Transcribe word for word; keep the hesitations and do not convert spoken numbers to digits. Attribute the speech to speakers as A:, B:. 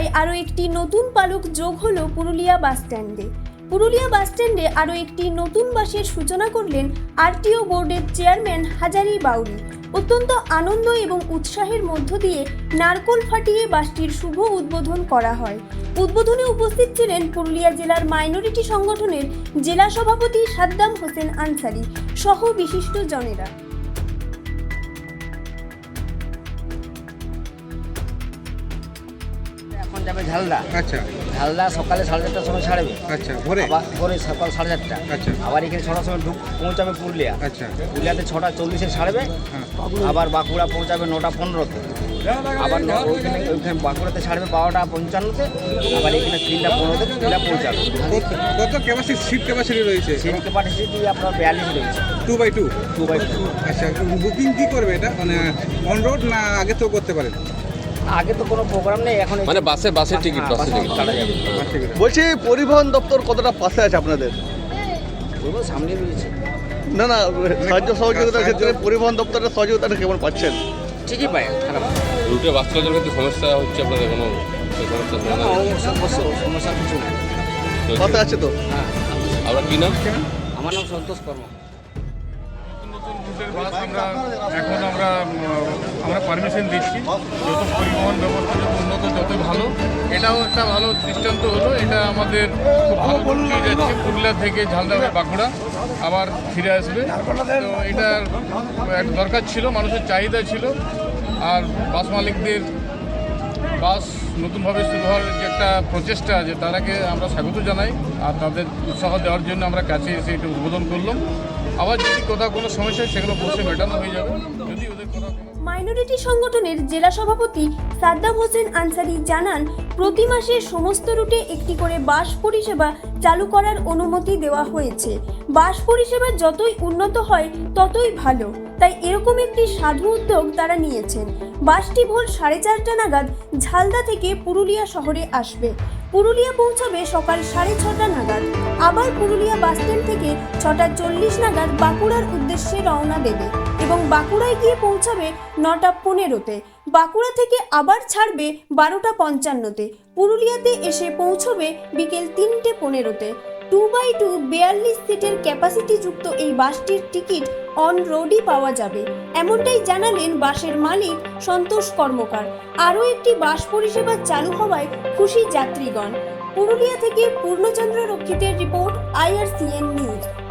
A: আরও একটি নতুন পালক যোগ হলো পুরুলিয়া বাসস্ট্যান্ডে। পুরুলিয়া বাসস্ট্যান্ডে আরও একটি নতুন বাসের সূচনা করলেন আরটিও বোর্ডের চেয়ারম্যান হাজারি বাউরি। অত্যন্ত আনন্দ এবং উৎসাহের মধ্য দিয়ে নারকোল ফাটিয়ে বাসটির শুভ উদ্বোধন করা হয়। উদ্বোধনে উপস্থিত ছিলেন পুরুলিয়া জেলার মাইনরিটি সংগঠনের জেলা সভাপতি সাদ্দাম হোসেন আনসারি সহ বিশিষ্ট জনেরা।
B: এখন যাবে ঝালদা।
C: আচ্ছা
B: ঝালদা সকালে সাড়ে চারটার সময় ছাড়বে।
C: আচ্ছা ভোরে
B: আবার ভোরে সকাল সাড়ে চারটা।
C: আচ্ছা
B: আবার এখানে ছটার সময় ঢুক পৌঁছাবে পুরুলিয়া।
C: আচ্ছা
B: পুরুলিয়াতে ছটা চল্লিশে ছাড়বে।
C: হ্যাঁ
B: আবার বাঁকুড়া পৌঁছাবে নটা পনেরোতে। আবার ন- ওইখানে ওইখানে বাঁকুড়াতে ছাড়বে বারোটা পঞ্চান্নতে। আবার এখানে তিনটা পনেরোতে পুরুলিয়া পৌঁছাবে।
C: কত ক্যাপাসিটি সিট ক্যাপাসিটি রয়েছে?
B: সেই ক্যাপাসিটি আপনার বিয়াল্লিশ রয়েছে।
C: Two by two
B: two by two.
C: আচ্ছা বুকিং কি করবে এটা মানে অন রোড না আগে তো করতে পারেন?
B: আগে তো কোনো প্রোগ্রাম নেই, এখন
D: মানে বাসে বাসের টিকিট
B: হ্যাঁ,
D: বাসের টিকিট
B: কাটা যাবে।
E: বলছি পরিবহন দপ্তর কতটা পাশে আছে আপনাদের?
B: ওইগুলো সামনে রয়েছে,
E: না না সাহায্য সহযোগিতার ক্ষেত্রে পরিবহন দপ্তরের সহযোগিতাটা কেমন পাচ্ছেন?
B: ঠিকই পায়, খারাপ না।
D: রুটে বাস চলাচলের ক্ষেত্রে সমস্যা হচ্ছে আপনাদের কোনো সেই সমস্যা
B: না,
D: সমাধান?
B: ও সমস্যা সমস্যা কিছু নেই।
E: পাশে আছে তো?
B: হ্যাঁ,
D: আপনার কী নাম?
B: আমার নাম সন্তোষ কর্ম।
F: রুটের বাস আমরা এখন আমরা উম, আমরা পারমিশন দিচ্ছি। যত পরিবহন ব্যবস্থা যত উন্নত তত ভালো। এটাও একটা ভালো দৃষ্টান্ত হলো। এটা আমাদের খুব ভালো রুট দিয়ে যাচ্ছে পুরুলিয়া থেকে ঝালদা হয়ে বাঁকুড়া আবার ফিরে আসবে। তো এটার এক দরকার ছিল, মানুষের চাহিদা ছিল। আর বাস মালিকদের বাস নতুনভাবে শুরু হওয়ার যে একটা প্রচেষ্টা আছে তারাকে আমরা স্বাগত জানাই। আর তাদের উৎসাহ দেওয়ার জন্য আমরা কাছে এসে এটা উদ্বোধন করলাম। আবার যদি কোথাও কোনো সমস্যা হয় সেগুলো বসে মেটানো হয়ে যাবে। যদি ওদের কোথাও কোনো
A: মাইনরিটি সংগঠনের জেলা সভাপতি সাদ্দাম হোসেন আনসারি জানান, প্রতি মাসে সমস্ত রুটে একটি করে বাস পরিষেবা চালু করার অনুমতি দেওয়া হয়েছে। বাস পরিষেবা যতই উন্নত হয় ততই ভালো, তাই এরকম একটি সাধু উদ্যোগ তারা নিয়েছেন। বাসটি ভোর সাড়ে চারটা নাগাদ ঝালদা থেকে পুরুলিয়া শহরে আসবে। পুরুলিয়া পৌঁছাবে সকাল সাড়ে ছটা নাগাদ। আবার পুরুলিয়া বাসস্ট্যান্ড থেকে ছটা চল্লিশ নাগাদ বাঁকুড়ার উদ্দেশ্যে রওনা দেবে এবং বাঁকুড়ায় গিয়ে পৌঁছাবে নটা পনেরোতে। বাঁকুড়া থেকে আবার ছাড়বে বারোটা পঞ্চান্নতে। পুরুলিয়াতে এসে পৌঁছবে বিকেল তিনটে পনেরোতে। টু বাই টু বিয়াল্লিশ সিটের ক্যাপাসিটি যুক্ত এই বাসটির টিকিট অন রোডই পাওয়া যাবে, এমনটাই জানালেন বাসের মালিক সন্তোষ কর্মকার। আরও একটি বাস পরিষেবা চালু হওয়ায় খুশি যাত্রীগণ। পুরুলিয়া থেকে পূর্ণচন্দ্র রক্ষিতের রিপোর্ট, আইআরসিএন নিউজ।